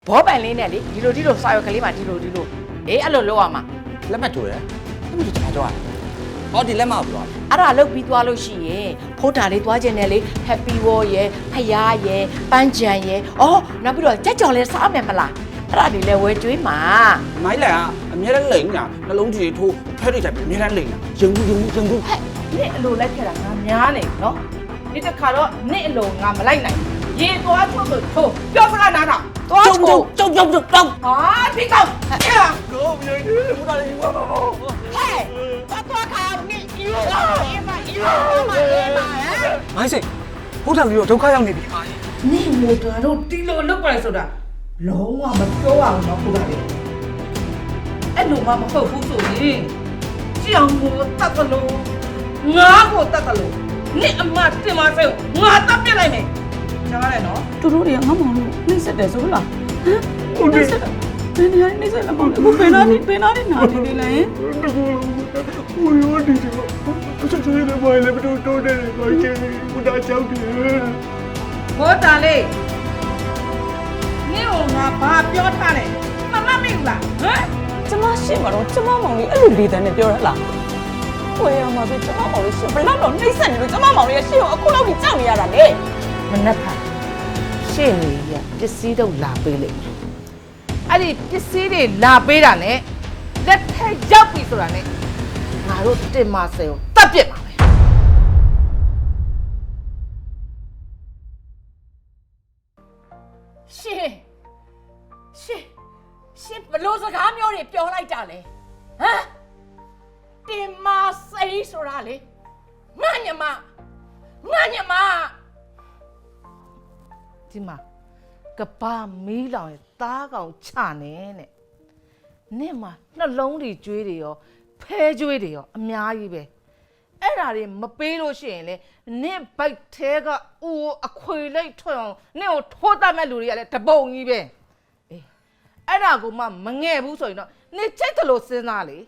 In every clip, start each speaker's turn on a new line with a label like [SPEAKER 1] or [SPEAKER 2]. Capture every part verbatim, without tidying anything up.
[SPEAKER 1] ဘောပန်လေးနဲ့လေဒီလိုဒီလိုစာရွက်ကလေးမှာဒီလိုဒီလိုအေးအဲ့လိုလုပ်ရမှာ
[SPEAKER 2] လက်မှတ်ထိုးတယ်လက်မှတ်ထိုးကျွန်တော်ကြောက်ရတယ်ဟောဒီလက်မှတ်ကိုပြော
[SPEAKER 1] အဲ့ဒါလုပ်ပြီးသွားလို့ရှိရင်ဖိုးတာလေးသွားခြင်းနဲ့လေ Happy Wall ရယ်ဖယားရယ်ပန်းချံရယ်အော်နောက်ပြီးတော့ကြက်ကြော်လဲစားမယ်မလားအဲ့ဒါဒီလဲဝဲကျွေးမှာ
[SPEAKER 2] မိုင်းလန်ကအများနဲ့လိန်ညာနှလုံးကြီးထိုးဖဲတွေတိုင်အများနဲ့လိန်ညာရုံဘူးရုံဘူးရုံဘူး
[SPEAKER 1] ဟဲ့နင့်အလိုလိုက်ခဲ့တာငါများနေနော်ဒီတစ်ခါတော့နင့်အလိုငါမလိုက်နိုင်ရေသွားထုတ်လို့ထိုးပြောစကားနားထောင်သွားချိုး
[SPEAKER 2] ကျုပ်ကျုပ်ကျုပ်တောင်း
[SPEAKER 1] ဟာဒီကောင်ဟဲ့
[SPEAKER 2] ကိုမင်းတို့ဘုရားလေးဝါပါ
[SPEAKER 1] ဟဲ့သွားသွားခါနင့်ယူအေးမယူမအေးမဟဲ့
[SPEAKER 3] မိုင်းစိတ်ဘုရားလူတို့ဒုက္ခရောက်နေပြီပါ
[SPEAKER 1] နင့်မို့တော့တီလိုလောက်ပါလေဆိုတာလုံးဝမပြောအောင်တော့ခုတာလေအဲ့လိုမှမဟုတ်ဘူးဆိုရင်ကြောင်ကိုတတ်ကလို့ငါ့ကိုတတ်ကလို့နင့်အမတင်မဆဲငါတပ်ပြလိုက်မယ်ကြားရတယ်နော်
[SPEAKER 4] သူတို့တွေကငါမောင်လို့နှိမ့်ဆက်တယ်ဆိုလားဟမ်ဟုတ်တယ်ဒီနေရာနှိမ့်ဆက်လာမောင်အခုပင်နာနေပင်နာနေနာနေနေလဲ
[SPEAKER 3] ဟိုရောဒီတော့ဆက်ဆက်နေပါလေဘယ်တော့တော့နေပါချင်ဘုရားကြောက်တယ်
[SPEAKER 1] ဘောတာလေးနင့်ကိုငါဘာပြောထားလဲမမမေ့ဘူးလားဟမ်
[SPEAKER 4] ကျမရှိမှာတော့ကျမမောင်လေးအဲ့လိုလေးတန်းနဲ့ပြောရလားဝယ်ရမှာဆိုကျမမောင်လေးရှင်ဘယ်တော့တော့နှိမ့်ဆက်နေလို့ကျမမောင်လေးရဲ့ရှေ့ကိုအခုလောက်ကြီးကြောက်နေရတာလေ
[SPEAKER 1] မနှက်ဖာရှေ့နေရပစ္စည်းတော့လာပေးလိုက်အဲ့ဒီပစ္စည်းတွေလာပေးတာနဲ့လက်ထက်ရောက်ပြီဆိုတာနဲ့ငါတို့တင်မဆဲကိုတတ်ပြစ်ပါမယ်ရှင်ရှင်ရှင်ဘလို့စကားမျိုးတွေပြောလိုက်တာလေဟမ်တင်မဆဲဆိုတာလေငါညမငါညမဒီမှာကဘာမီးလောင်ရဲ့သားကောင်ချနေနဲ့နဲ့မှာနှလုံးတွေကျွေးတွေရောဖဲကျွေးတွေရောအများကြီးပဲအဲ့ဒါတွေမပေးလို့ရှိရင်လေနဲ့ဘိုက်သေးကဦးအခွေလိုက်ထွက်အောင်နဲ့ကိုထိုးတတ်မဲ့လူတွေကလည်းတပုံကြီးပဲအေးအဲ့ဒါကိုမှမငဲ့ဘူးဆိုရင်တော့နေချိတ်ကလေးစဉ်းစားလေ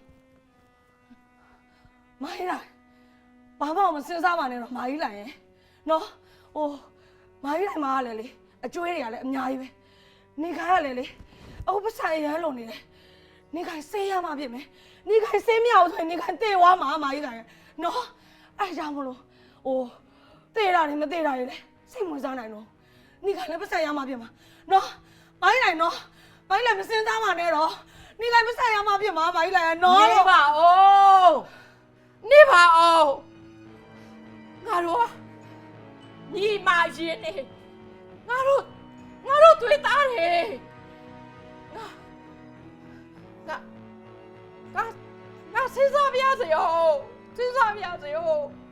[SPEAKER 4] မိုင်းလာဘာမှမစဉ်းစားပါနဲ့တော့မာကြီးလာရင်နော်ဟိုမာကြီးလာမှာကလည်းလေအကျွေးတွေကလည်းအများကြီးပဲနေခိုင်းရလေလေအခုပဆိုင်ရမ်းလုံနေတယ်နေခိုင်းဆေးရမှာဖြစ်မယ်နေခိုင်းဆေးမရအောင်ဆိုရင်နေခိုင်းတေဝါမှာမာကြီးလာရင်နော်အဲ့ကြောင့်မလို့ဟိုတေတာတွေမတေတာတွေလေစိတ်ဝင်စားနိုင်တော့နေခိုင်းလည်းပဆိုင်ရမှာဖြစ်မှာနော်မာကြီးလာနော်မာကြီးလာမစဉ်းစားပါနဲ့တော့နေခိုင်းပဆိုင်ရမှာဖြစ်မှာမာကြီးလာရင်နော်
[SPEAKER 1] နေပါဦးနေပါဦးငါတို့ညီမရင်နေငါတို့ငါတို့တွေ့သားတယ်ငါငါငါငါစဉ်းစားပြရစေရောစဉ်းစားပြရစေရော